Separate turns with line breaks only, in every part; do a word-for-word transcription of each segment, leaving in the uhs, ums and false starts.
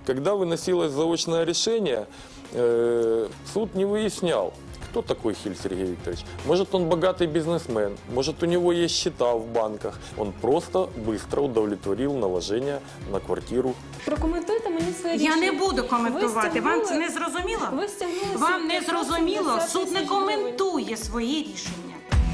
Когда выносилось заочное решение, э, суд не выяснял, кто такой Хиль Сергей Викторович. Может, он богатый бизнесмен, может, у него есть счета в банках. Он просто быстро удовлетворил наложение на квартиру.
Прокоментуйте мені своє
Я
рішення.
не буду коментувати.
Ви
Вам це
стягнули-
не зрозуміло?
Ви стягнули
Вам не
п'ятсот
зрозуміло?
сімдесят
Суд не
тисяч гривень.
коментує свої рішення.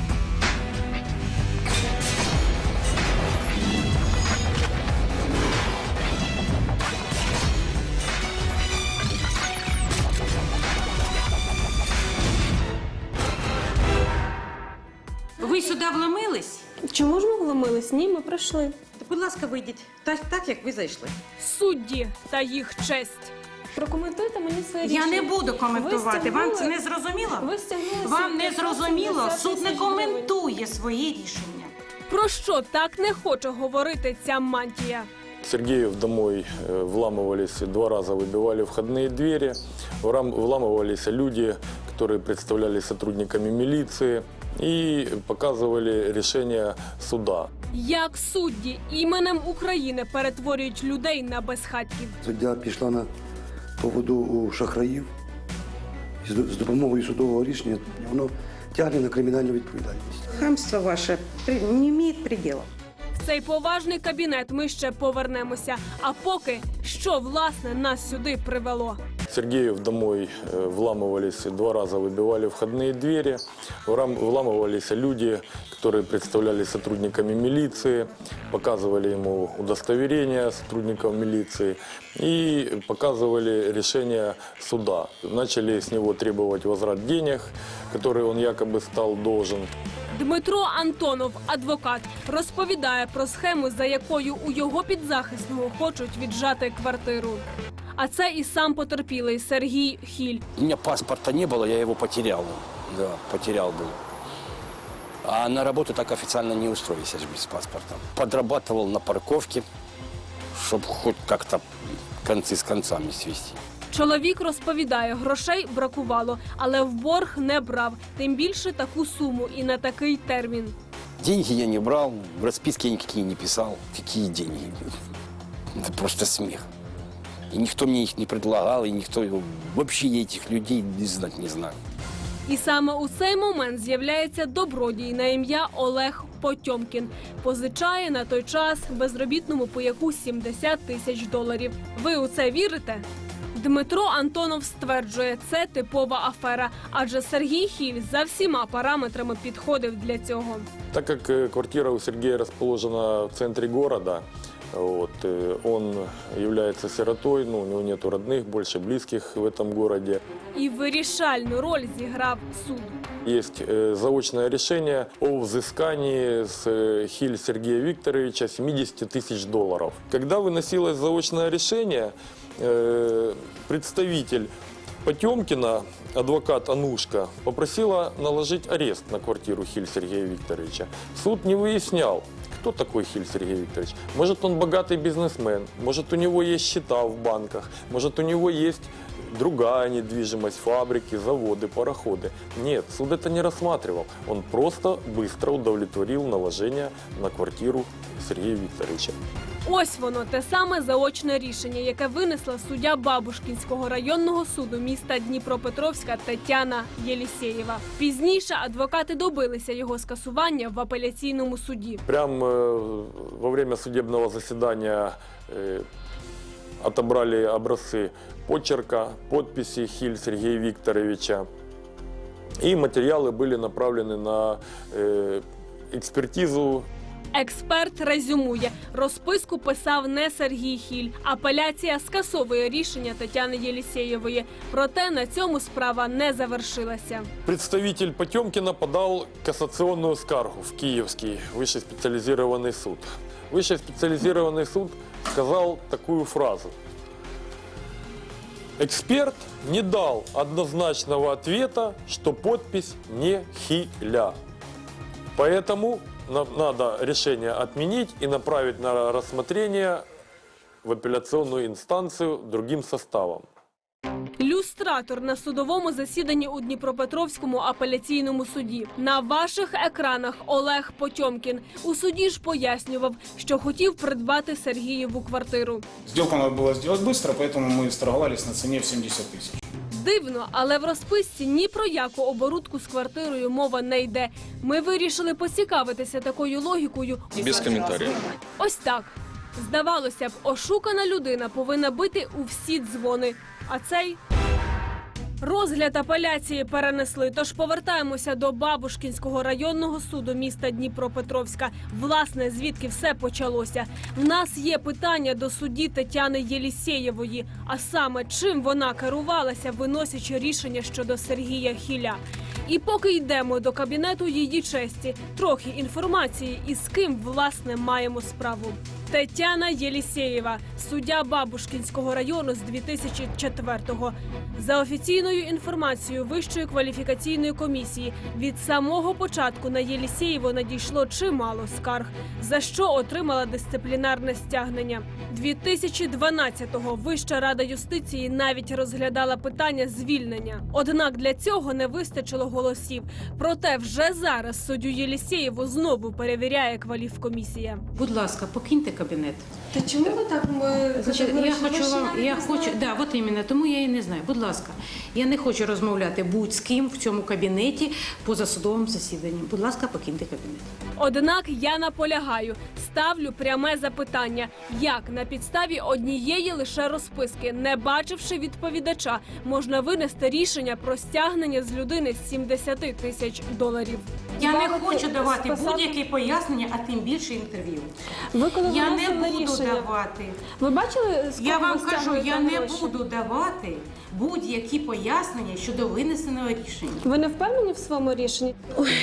Ви сюди вломились?
Чому ж ми вломились? Ні, ми пройшли.
Будь ласка, вийдіть. Так, так, як ви зайшли.
Судді та їх честь.
Прокоментуйте мені своє
Я
рішення.
не буду коментувати.
Ви
Вам
стягнули-
це не зрозуміло?
Ви стягнули
Вам не
п'ятсот
зрозуміло?
сімдесят
Суд не
тисяч гривень.
коментує свої рішення.
Про що так не хоче говорити ця мантія?
Сергеев домой э, вламывались, два раза выбивали входные двери, Врам- вламывались люди, которые представляли сотрудниками милиции и показывали решение суда.
Як судді іменем України перетворюють людей на безхатьків?
Суддя пішла на поводу у шахраїв. І з з допомогою судового рішення воно тягне на кримінальну відповідальність.
Хамство ваше не має предела.
В цей поважний кабінет ми ще повернемося. А поки, що, власне, нас сюди привело?
Сергеев домой э, вламывались, два раза выбивали входные двери, Врам- вламывались люди, которые представляли сотрудниками милиции, показывали ему удостоверения сотрудников милиции и показывали решение суда. Начали с него требовать возврат денег, которые он якобы стал должен.
Дмитро Антонов, адвокат, розповідає про схему, за якою у його підзахисного хочуть віджати квартиру. А це і сам потерпілий Сергій Хіль.
У меня паспорта не было, я его потерял. Да, потерял был. А на работу так официально не устроился же без паспорта. Подрабатывал на парковке, чтобы хоть как-то концы с концами свести.
Чоловік розповідає, грошей бракувало, але в борг не брав. Тим більше таку суму і на такий термін.
Деньги я не брал, в расписке я никакие не писал. Какие деньги? Это просто смех. И никто мне их не предлагал, и никто вообще я этих людей не знать не знаю.
І саме у цей момент з'являється добродій на ім'я Олег Потьомкін. Позичає на той час безробітному пояку сімдесят тисяч доларів. Ви у це вірите? Дмитро Антонов стверджує, це типова афера, адже Сергій Хіль за всіма параметрами підходив для цього.
Так как э, квартира у Сергея расположена в центре города, вот, э, он является сиротой, ну, у него нет родных, больше близких в этом городе.
І вирішальну роль зіграв суд.
Есть э, заочное решение о взыскании с э, Хиль Сергея Викторовича семьдесят тысяч долларов. Когда выносилось заочное решение, э, представитель Потемкина, адвокат Анушка, попросила наложить арест на квартиру Хиль Сергея Викторовича. Суд не выяснял, кто такой Хиль Сергей Викторович. Может, он богатый бизнесмен, может, у него есть счета в банках, может, у него есть другая недвижимость, фабрики, заводы, пароходы. Нет, суд это не рассматривал. Он просто быстро удовлетворил наложение на квартиру Сергея Викторовича.
Ось воно, те саме заочне рішення, яке винесла суддя Бабушкінського районного суду міста Дніпропетровська Тетяна Єлісєєва. Пізніше адвокати добилися його скасування в апеляційному суді.
Прямо э, во время судебного заседания э, отобрали образцы почерка, подписи Хиль Сергея Викторовича. И материалы были направлены на э, экспертизу.
Експерт резюмує, розписку писав не Сергій Хіль. Апеляція скасовує рішення Тетяни Єлісєєвої. Проте на цьому справа не завершилася.
Представитель Потемкина подал кассационную скаргу в Киевский высший специализированный суд. Высший специализированный суд сказал такую фразу. Эксперт не дал однозначного ответа, что подпись не Хиля. Поэтому на- надо решение отменить и направить на рассмотрение в апелляционную инстанцию другим составом.
Люстра люстратор на судовому засіданні у Дніпропетровському апеляційному суді. На ваших екранах Олег Потьомкін. У суді ж пояснював, що хотів придбати Сергієву квартиру.
Сделку надо было сделать быстро, поэтому мы сторговались на цене в семьдесят тысяч.
Дивно, але в розписці ні про яку оборудку з квартирою мова не йде. Ми вирішили поцікавитися такою логікою.
Без комментариев.
Ось так. Здавалося б, ошукана людина повинна бити у всі дзвони. А цей... Розгляд апеляції перенесли, тож повертаємося до Бабушкінського районного суду міста Дніпропетровська. Власне, звідки все почалося. В нас є питання до судді Тетяни Єлісєєвої, а саме, чим вона керувалася, виносячи рішення щодо Сергія Хіля. І поки йдемо до кабінету її честі, трохи інформації, із ким, власне, маємо справу. Тетяна Єлісєєва, суддя Бабушкінського району з дві тисячі четвертого. За офіційною інформацією Вищої кваліфікаційної комісії, від самого початку на Єлісєєву надійшло чимало скарг, за що отримала дисциплінарне стягнення. дві тисячі дванадцятого Вища рада юстиції навіть розглядала питання звільнення. Однак для цього не вистачило голосів. Проте вже зараз суддю Єлісєєву знову перевіряє кваліфкомісія.
Будь ласка, покиньте кабінет.
Та чому ви так? Ми
Значить, я
категорично- ви
хочу
ж
вам,
навіть
я
не
хочу,
знаєте.
да, от іменно, тому я і не знаю. Будь ласка, я не хочу розмовляти будь з ким в цьому кабінеті поза судовим засіданням. Будь ласка, покиньте кабінет.
Однак я наполягаю, ставлю пряме запитання, як на підставі однієї лише розписки, не бачивши відповідача, можна винести рішення про стягнення з людини сімдесят тисяч доларів.
Я не
Ставити-
хочу давати
списати-
будь-які пояснення, а тим більше інтерв'ю.
Ви коли
Я не
виносили
буду
рішення,
давати.
ви бачили, з
Я
кого
вам
ви
кажу,
стягуєте
я не
гроші?
буду давати будь-які пояснення щодо винесеного рішення.
Ви не впевнені в своєму рішенні?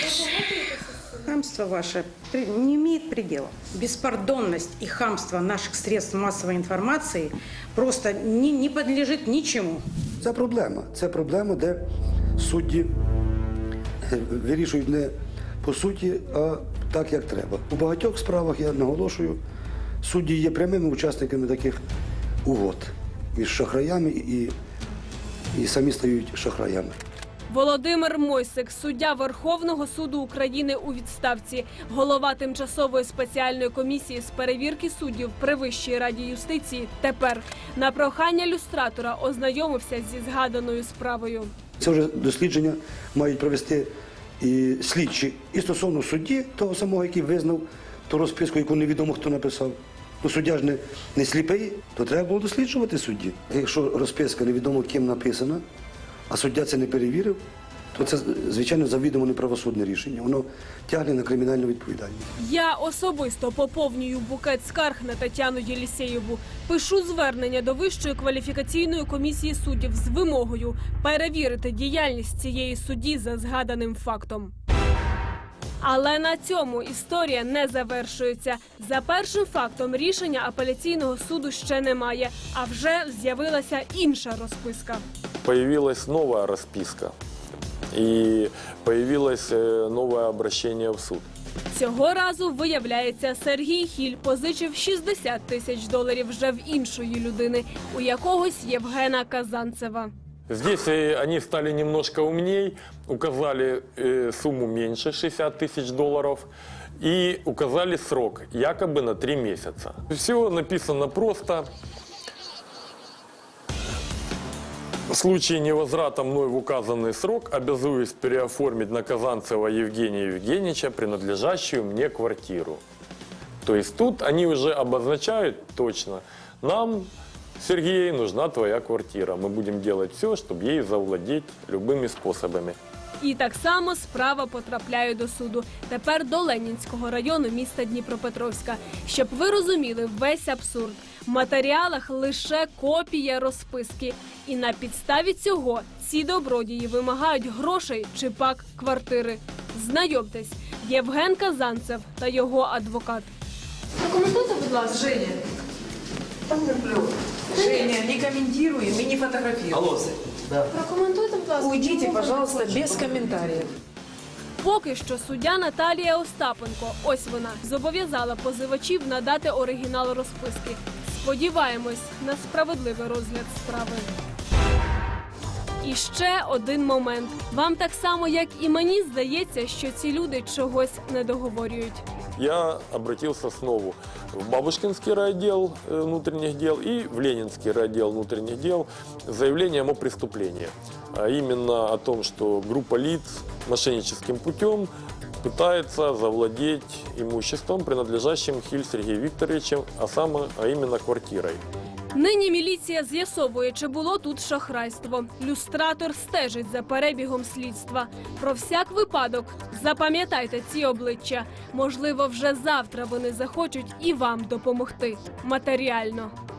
Хамство ваше при- не имеет предела. Беспардонность и хамство наших средств массовой информации просто не, не подлежит ничему.
Це проблема. Це проблема, де судді е, вирішують не по суті, а так, як треба. У багатьох справах, я наголошую, судді є прямими учасниками таких угод між шахраями і, і самі стають шахраями.
Володимир Мойсик, суддя Верховного суду України у відставці, голова тимчасової спеціальної комісії з перевірки суддів при Вищій раді юстиції, тепер на прохання люстратора ознайомився зі згаданою справою.
Це вже дослідження мають провести і слідчі і стосовно судді, того самого, який визнав ту розписку, яку невідомо хто написав. Ну, суддя ж не, не сліпий, то треба було досліджувати судді. Якщо розписка невідомо ким написана, а суддя це не перевірив, то це, звичайно, завідомо неправосудне рішення. Воно тягне на кримінальну відповідальність.
Я особисто поповнюю букет скарг на Тетяну Єлісєєву. Пишу звернення до Вищої кваліфікаційної комісії суддів з вимогою перевірити діяльність цієї судді за згаданим фактом. Але на цьому історія не завершується. За першим фактом рішення апеляційного суду ще немає, а вже з'явилася інша розписка.
Появилась новая расписка и появилось э, новое обращение в суд.
Цього разу, виявляється, Сергій Хіль позичив шістдесят тисяч доларів вже в іншої людини, у якогось Євгена Казанцева.
Здесь э, они стали немножко умней, указали э, сумму меньше шестьдесят тысяч долларов и указали срок якобы на три месяца. Все написано просто. В случае невозврата мной в указанный срок обязуюсь переоформить на Казанцева Евгения Евгеньевича принадлежащую мне квартиру. То есть тут они уже обозначают точно, нам, Сергей, нужна твоя квартира. Мы будем делать все, чтобы ей завладеть любыми способами.
І так само справа потрапляє до суду. Тепер до Ленінського району міста Дніпропетровська. Щоб ви розуміли весь абсурд. В матеріалах лише копія розписки. І на підставі цього ці добродії вимагають грошей чи пак квартири. Знайомтесь, Євген Казанцев та його адвокат.
Прокоментуйте, будь ласка.
Женя, Женя, не комментируем и не фотографируем. Алло,
Прокоментуйте, будь ласка.
Уйдите,
чому ви
пожалуйста,
не хочете?
без комментариев.
Поки що суддя Наталія Остапенко, ось вона, зобов'язала позивачів надати оригінал розписки. Сподіваємось на справедливий розгляд справи. І ще один момент. Вам так само, як і мені, здається, що ці люди чогось не договорюють.
Я обратился снова в Бабушкинский райотдел э, внутренних дел и в Ленинский райотдел внутренних дел с заявлением о преступлении. А именно о том, что группа лиц мошенническим путем пытается завладеть имуществом, принадлежащим Хиль Сергею Викторовичу, а, саме, а именно квартирой.
Нині міліція з'ясовує, чи було тут шахрайство. Люстратор стежить за перебігом слідства. Про всяк випадок запам'ятайте ці обличчя. Можливо, вже завтра вони захочуть і вам допомогти матеріально.